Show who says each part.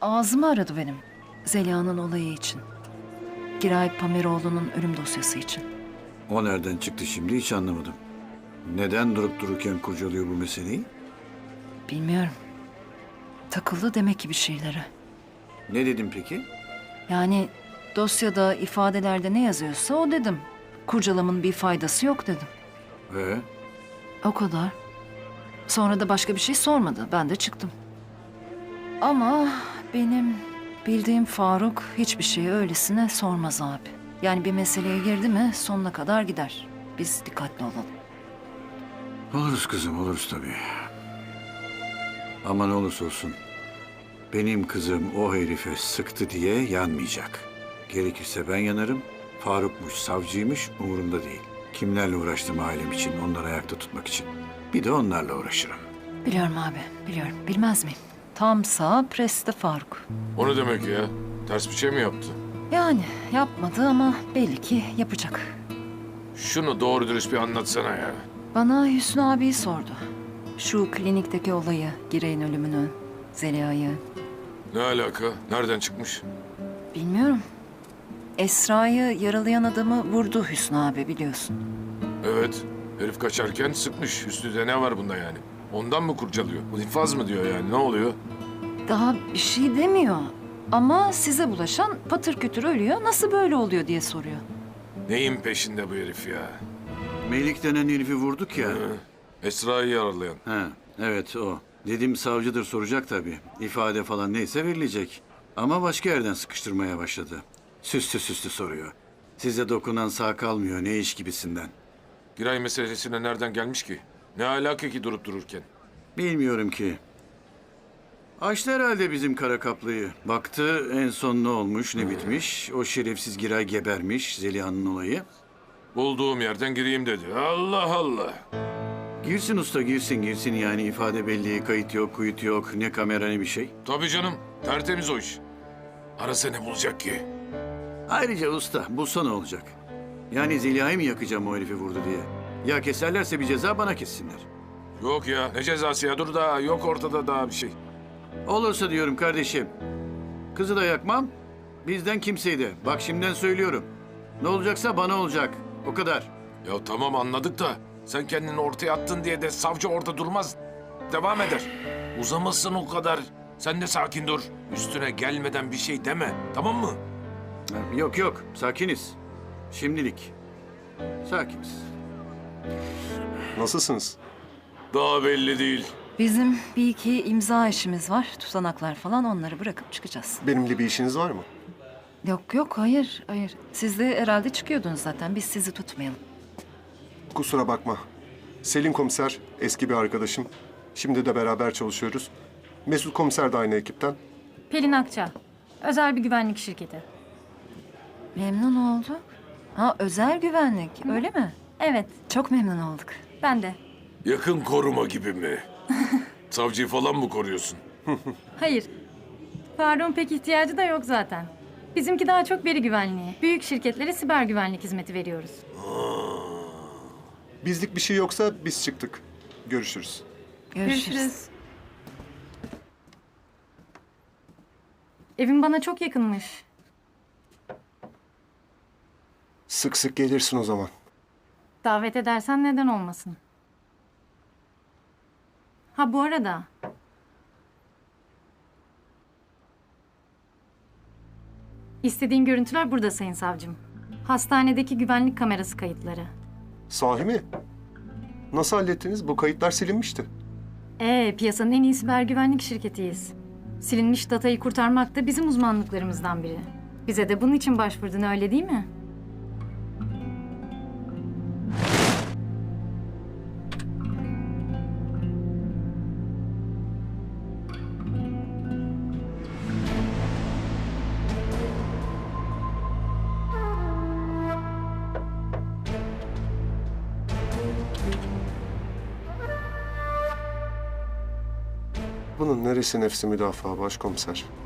Speaker 1: ağzımı aradı benim. Zeliha'nın olayı için. Giray Pameroğlu'nun ölüm dosyası için.
Speaker 2: O nereden çıktı şimdi hiç anlamadım. Neden durup dururken kurcalıyor bu meseleyi?
Speaker 1: Bilmiyorum. Takıldı demek ki bir şeylere.
Speaker 2: Ne dedim peki?
Speaker 1: Yani dosyada, ifadelerde ne yazıyorsa o dedim. Kurcalamın bir faydası yok dedim.
Speaker 2: Ee,
Speaker 1: O kadar. Sonra da başka bir şey sormadı. Ben de çıktım. Ama benim bildiğim Faruk hiçbir şeyi öylesine sormaz abi. Yani bir meseleye girdi mi sonuna kadar gider. Biz dikkatli olalım.
Speaker 2: oluruz kızım oluruz tabii. Ama ne olursa olsun benim kızım o herife sıktı diye yanmayacak. Gerekirse ben yanarım. Faruk'muş, savcıymış umurumda değil. Kimlerle uğraştım ailem için, onları ayakta tutmak için. Bir de onlarla uğraşırım.
Speaker 1: Biliyorum abi, biliyorum. Bilmez miyim? Tam sağ preste Faruk.
Speaker 3: O ne demek ya? Ters bir şey mi yaptı?
Speaker 1: Yani yapmadı ama belli ki yapacak.
Speaker 3: Şunu doğru dürüst bir anlatsana ya.
Speaker 1: Bana Hüsnü abiyi sordu. Şu klinikteki olayı, Giray'ın ölümünü, Zeliha'yı.
Speaker 3: Ne alaka? Nereden çıkmış?
Speaker 1: Bilmiyorum. Esra'yı yaralayan adamı vurdu Hüsnü abi biliyorsun.
Speaker 3: Evet. Herif kaçarken sıkmış. Üstünde ne var bunda yani? Ondan mı kurcalıyor? Bu infaz mı diyor yani? Ne oluyor?
Speaker 1: Daha bir şey demiyor. Ama size bulaşan patır kütür ölüyor. Nasıl böyle oluyor diye soruyor.
Speaker 3: Neyin peşinde bu herif ya?
Speaker 2: Melik denen herifi vurduk ya.
Speaker 3: Hı? Esra'yı yaralayan.
Speaker 2: Ha, evet o. Dedim savcıdır soracak tabii. İfade falan neyse verilecek. Ama başka yerden sıkıştırmaya başladı. Süslü süslü soruyor. Size dokunan sağ kalmıyor ne iş gibisinden.
Speaker 3: Giray meselesine nereden gelmiş ki? Ne alaka ki durup dururken?
Speaker 2: Bilmiyorum ki. Açtı herhalde bizim kara kaplıyı. Baktı en son ne olmuş ne bitmiş. O şerefsiz Giray gebermiş Zeliha'nın olayı.
Speaker 3: Bulduğum yerden gireyim dedi. Allah Allah.
Speaker 2: Girsin usta girsin yani ifade belli, kayıt yok, kuyut yok, ne kamera ne bir şey.
Speaker 3: Tabii canım. Tertemiz o iş. Arasa ne bulacak ki?
Speaker 2: Ayrıca usta bulsa ne olacak? Yani Zeliha'yı mı yakacağım o herifi vurdu diye? Ya keserlerse bir ceza bana kessinler.
Speaker 3: Yok ya. Ne cezası ya? Dur daha. Yok ortada daha bir şey.
Speaker 2: Olursa diyorum kardeşim. Kızı da yakmam, bizden kimseyi de. Bak şimdiden söylüyorum. Ne olacaksa bana olacak. O kadar.
Speaker 3: Ya tamam anladık da sen kendini ortaya attın diye de savcı orada durmaz. Devam eder. Uzamasın o kadar. Sen de sakin dur. Üstüne gelmeden bir şey deme. Tamam mı?
Speaker 2: Yok, sakiniz. Şimdilik. Sakiniz.
Speaker 4: Nasılsınız?
Speaker 3: Daha belli değil.
Speaker 1: Bizim bir iki imza işimiz var. Tutanaklar falan onları bırakıp çıkacağız.
Speaker 4: Benimle bir işiniz var mı?
Speaker 1: Yok hayır. Siz de herhalde çıkıyordunuz zaten. Biz sizi tutmayalım.
Speaker 4: Kusura bakma. Selin komiser eski bir arkadaşım. Şimdi de beraber çalışıyoruz. Mesut komiser de aynı ekipten.
Speaker 5: Pelin Akça, özel bir güvenlik şirketi.
Speaker 1: Memnun olduk. Ha özel güvenlik öyle mi?
Speaker 5: Evet,
Speaker 1: Çok memnun olduk.
Speaker 5: ben de.
Speaker 3: Yakın koruma gibi mi? Savcıyı falan mı koruyorsun?
Speaker 5: Hayır, Faruk'un pek ihtiyacı da yok zaten. Bizimki daha çok veri güvenliği. Büyük şirketlere siber güvenlik hizmeti veriyoruz.
Speaker 4: Bizlik bir şey yoksa biz çıktık. Görüşürüz.
Speaker 1: Görüşürüz.
Speaker 5: Evin bana çok yakınmış.
Speaker 4: Sık sık gelirsin o zaman.
Speaker 5: Davet edersen neden olmasın? Ha bu arada... İstediğin görüntüler burada Sayın Savcım. Hastanedeki güvenlik kamerası kayıtları.
Speaker 4: Sahi mi? Nasıl hallettiniz? Bu kayıtlar silinmişti.
Speaker 5: Piyasanın en iyi siber güvenlik şirketiyiz. Silinmiş datayı kurtarmak da bizim uzmanlıklarımızdan biri. Bize de bunun için başvurdun öyle değil mi?
Speaker 4: Bunun neresi nefsi müdafaa başkomiser?